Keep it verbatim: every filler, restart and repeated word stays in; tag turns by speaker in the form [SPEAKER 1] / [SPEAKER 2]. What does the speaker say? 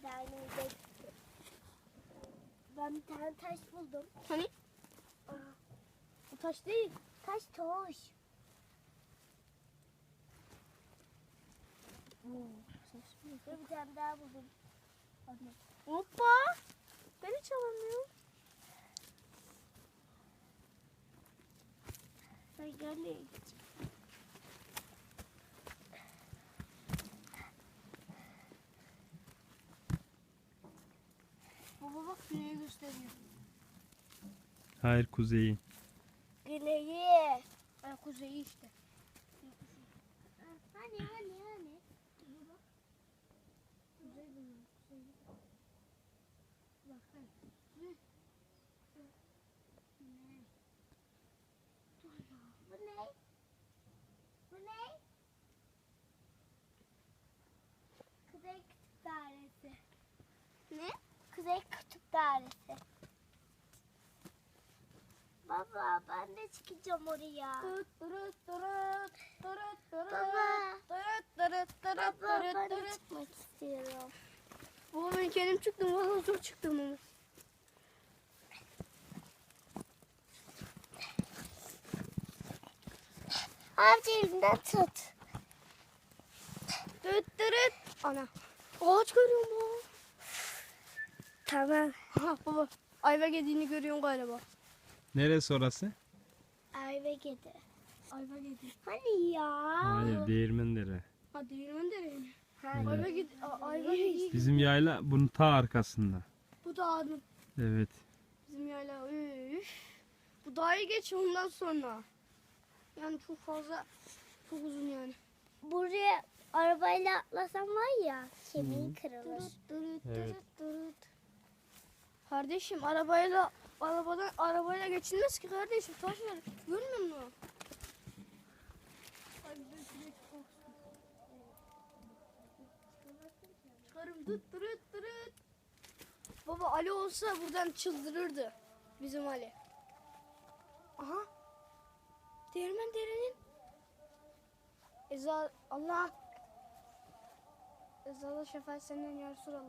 [SPEAKER 1] derneğinde. Ben bir tane taş buldum.
[SPEAKER 2] Hani?
[SPEAKER 1] Aa,
[SPEAKER 2] Bu taş değil.
[SPEAKER 1] taş toş. Ve bir tane daha buldum. Anne.
[SPEAKER 2] Hoppa. Ben hiç alamıyorum.
[SPEAKER 1] Ben görmeyeyim.
[SPEAKER 2] Baba bak güneyi gösteriyor.
[SPEAKER 3] Hayır, kuzeyi.
[SPEAKER 1] Güneyi.
[SPEAKER 2] Ay kuzeyi işte.
[SPEAKER 1] Hani hani hani.
[SPEAKER 2] Kuzey bunun. Kuzey. Bak hani. Kuzey.
[SPEAKER 1] Ne? Bu ne? Bu ne? Kuzey Kutup Dairesi.
[SPEAKER 2] Ne?
[SPEAKER 1] Kuzey Kutup Dairesi. Baba ben de çıkacağım oraya.
[SPEAKER 2] Tırıt tırıt tırıt tırıt tırıt
[SPEAKER 1] Baba.
[SPEAKER 2] tırıt tırıt tırıt
[SPEAKER 1] Baba
[SPEAKER 2] tırıt
[SPEAKER 1] ben de
[SPEAKER 2] tırıt.
[SPEAKER 1] çıkmak istiyorum.
[SPEAKER 2] Baba ben kendim çıktım. Valla zor çıktım ama.
[SPEAKER 1] Amca elimden tut.
[SPEAKER 2] Tırıt tırıt. Ana. Ağaç görüyorum baba.
[SPEAKER 1] Tamam.
[SPEAKER 2] Ha baba. Ayva yediğini görüyorsun galiba.
[SPEAKER 3] Neresi orası?
[SPEAKER 1] Ayva kedi.
[SPEAKER 2] Ayva yedi.
[SPEAKER 1] Hani ya?
[SPEAKER 3] Hayır, Değirmendere.
[SPEAKER 2] Ha değirmen dereyi.
[SPEAKER 1] Hani?
[SPEAKER 2] Ayva yedi. Ayva yedi.
[SPEAKER 3] Bizim yayla bunun ta arkasında.
[SPEAKER 2] Bu da adım.
[SPEAKER 3] Evet.
[SPEAKER 2] Bizim yayla. Üf. Bu dağı geç ondan sonra. Yani çok fazla. Çok uzun yani.
[SPEAKER 1] Buraya arabayla atlasam var ya kemiği kırılır.
[SPEAKER 2] Tırıt tırıt
[SPEAKER 3] Evet.
[SPEAKER 2] tırıt tırıt. Kardeşim arabayla arabadan arabayla geçilmez ki kardeşim. Taş var. Görmüyor musun? Ay, bir de şuraya çıkmak istiyorum. Çıkarım dıt tırıt tırıt. Baba Ali olsa buradan çıldırırdı. Bizim Ali. Aha. Değirmen derenin. Eza Allah. Ezada şefaat senden ya Resulallah.